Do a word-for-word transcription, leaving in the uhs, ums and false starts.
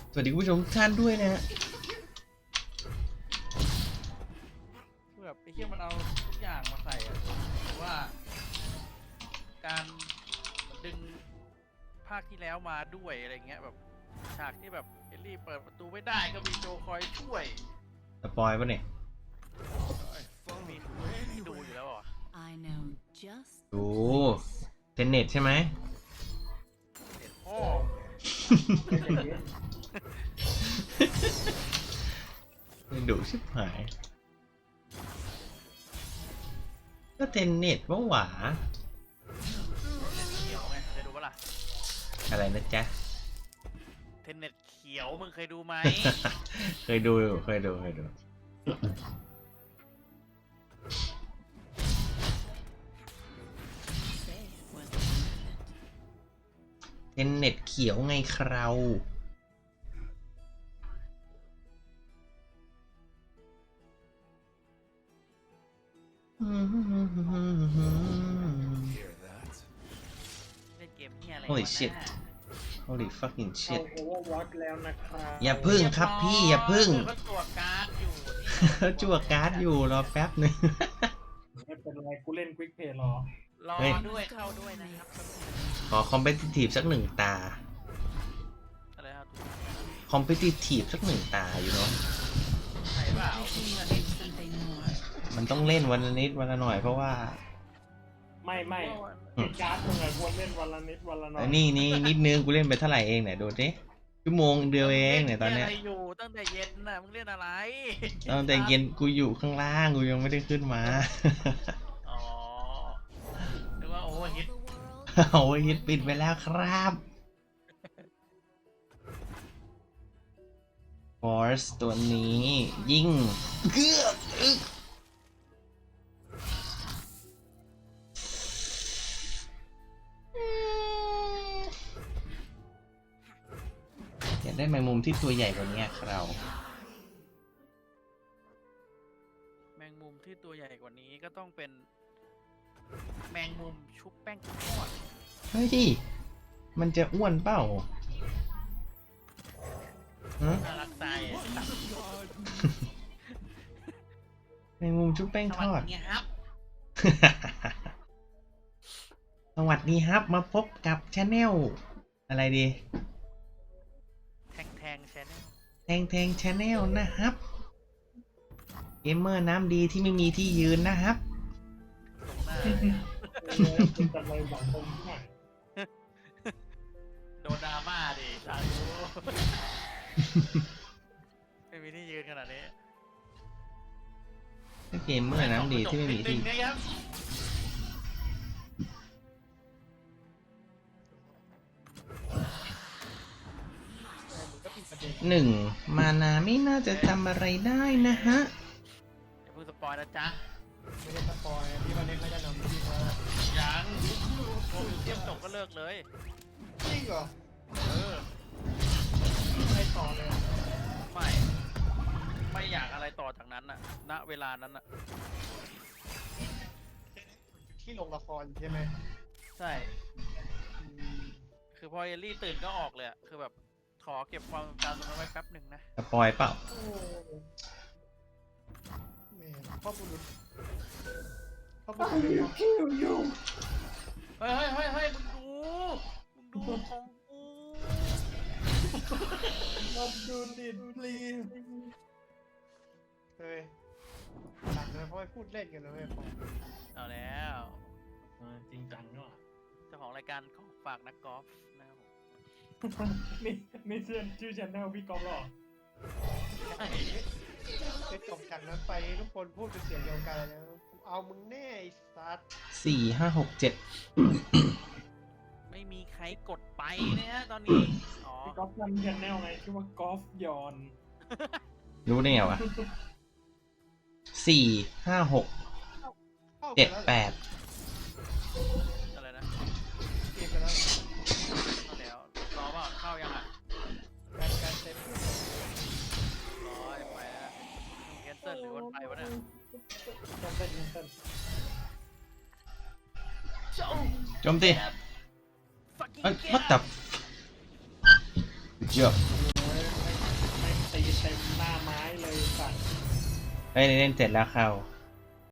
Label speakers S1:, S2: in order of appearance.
S1: สวัสดีคุณผู้ชมทุกท่านด้วยนะฮะ
S2: คือแบบไอ้เหี้ยมันเอาทุกอย่างมาใส่อะว่าการดึงภาคที่แล้วมาด้วยอะไรเงี้ยแบบฉากที่แบบเอลลี่เปิดประตูไม่ได้ก็มีโจคอยช่วย
S1: สปอยปะเนี่ย
S2: มีดูอยู่แล้วเหรอ
S1: ดูเทนเน็ตใช่ไหม
S2: เห็นพ่อ
S1: ดูชิบหาย ก็เทนเน็ตว่าหวา
S2: เขียวไงเคยดูปะล่ะ
S1: อะไรนะจ๊ะ
S2: เทนเน็ตเขียวมึงเคยดูไหม
S1: เคยดูเคยดูเคยดูเทนเน็ตเขียวไงคราว
S2: เล่นเกมเหี้ยอะไร
S1: Holy
S2: วะ
S1: shit
S2: น่ะ
S1: Holy fucking
S3: เอา
S1: shit
S3: โอเวอร์วอตแล้วนะครับ
S1: อย่าพึ่งครับพี่อย่าพึ่ง
S2: ก็ตรวจการ์ดอยู่
S1: จั่วการ์ดอยู่รอแป๊บหนึง
S3: ไม่เป็นไรกูเล่นควิกเพย์รอ
S2: รอ
S1: เฮ้ย
S2: ด้วยเข้าด้วยนะครับ
S1: ขอคอมเพติทีฟสักหนึ่งตา
S2: อะไรครับ
S1: คอมเพติทีฟสักหนึ่งตาอยู่เนาะ
S2: ใช่เปล่า
S1: มันต้องเล่นวันละนิดวันละหน่อยเพราะว่า
S3: ไม่ไม่
S1: อืม
S3: ไอ้การ์ดมึงอะควรเล่นวันละนิดวันละหน่อ
S1: แล้
S3: ยว
S1: นี่นี่นิดนึงกูเล่นไปเท่าไหร่เองเนี่ยดูดิชั่วโมงเดียวเองเนี่ยตอนเนี้ย
S2: มึงล่อะไรอยู่ตั้งแต่เย็นน่ะมึงเล่นอะไร
S1: ตอนแต่เย็นกูอยู่ข้างล่างกูยังไม่ได้ขึ้นมา
S2: อ๋อนึกว่าโอ้ฮิต
S1: โอ้ยฮิตปิดไปแล้วครับฟอร์สตัวนี้ยิ่งเกือบอึ๊กอยากได้แมงมุมที่ตัวใหญ่กว่านี้ครับ
S2: แมงมุมที่ตัวใหญ่กว่านี้ก็ต้องเป็น แมงมุมชุบแป้งทอด
S1: เฮ้ย มันจะอ้วนเปล่าฮะ
S2: น่ารักใจ
S1: แมงมุมชุบแป้ง
S2: ส
S1: ท
S2: วัส
S1: อด
S2: ดีครับ
S1: สวัสดีครับ มาพบกับชาแนลอะไรดี
S2: แทงแทงแชนแนล
S1: แทงแทงชาแนลนะครับเกมเมอร์น้ำดีที่ไม่มีที่ยืนนะครับ
S2: ตรงหน้า
S3: เออเป็นจำเลยสังคมที่ไหน
S2: โดนดราม่าดิสาธุไม่มีที่ยืนขนาดนี้
S1: เกมเมอร์น้ำดีที่ไม่มีที่
S2: นิดนึงนะครับ
S3: มึงก็ปิดประเด็น
S1: หนึ่งมานาไม่น่าจะทำอะไรได้นะฮะ
S2: อย่าเพิ่งสปอยนะจ๊ะ
S3: ไม่ได้สปอยพี่วันนี้เขาจะนำพี่มา
S2: ยังโอ้ยเทียมจบก็เลิกเลย
S3: จริงเหรอ
S2: เออ
S3: ไม่ต่อเลย
S2: ไม่ ไม่อยากอะไรต่อจากนั้นน่ะ ณ เวลานั้นน่ะ
S3: ที่ลงละครใช่ไหม
S2: ใช่ คือพอเอลลี่ตื่นก็ออกเลยอะคือแบบขอเก็บความทรงจำตรงนั้นไว้แป๊บหนึ่งนะ
S1: สปอยเปล่า
S3: โอ้แม่พ่อบุรุษพ่อบุรุษเป็นคิวยู
S2: เฮ้ยเฮ้ยเฮ้ยเฮ้ยมึงดู มึงดูของกู
S3: มาดูดิพลีเฮ้ยหลังเลยเพราะว่าพูดเล่นกันนะเว้ยพอ
S2: เอาแล้ว
S3: จริงจังเนาะ
S2: เจ้าของรายการของฝากนักกอล์ฟนะครับผม
S3: นี่นี่ชื่อชื่อชแนลพี่กอล์ฟหรอไปจบจากนั้นไปทุกคนพูดเป็นเสียงเดียวกันแล้วเอามึงแน่ไอ้สัส
S1: สี่ห้าหกเจ็ด
S2: ไม่มีใครกดไปนะฮะตอนนี้ อ๋อ
S3: พี่กอล์ฟทำชแนลไงชื่อว่ากอล์ฟยอน
S1: รู้ได้ไงวะสี่ห้าหกเจ็ดแปด
S2: อะไรนะ
S3: เกมไปแล้ว
S2: เข้าแล้ว รอเปล่าเข้ายังอ่ะ
S3: การการเซ็ต
S2: ร้อยไปแล้วแคนเซิลหรือวันไปวะเนี่ย
S3: การเซ็ตการเซ็ต
S1: โจมตี
S2: fucking
S1: เอ้ย
S2: get
S1: what the เจ้า
S3: ให้เต็มหน้าไม้เลยสัตว์
S1: เฮ้ยเล่นเสร็จแล้วเข้า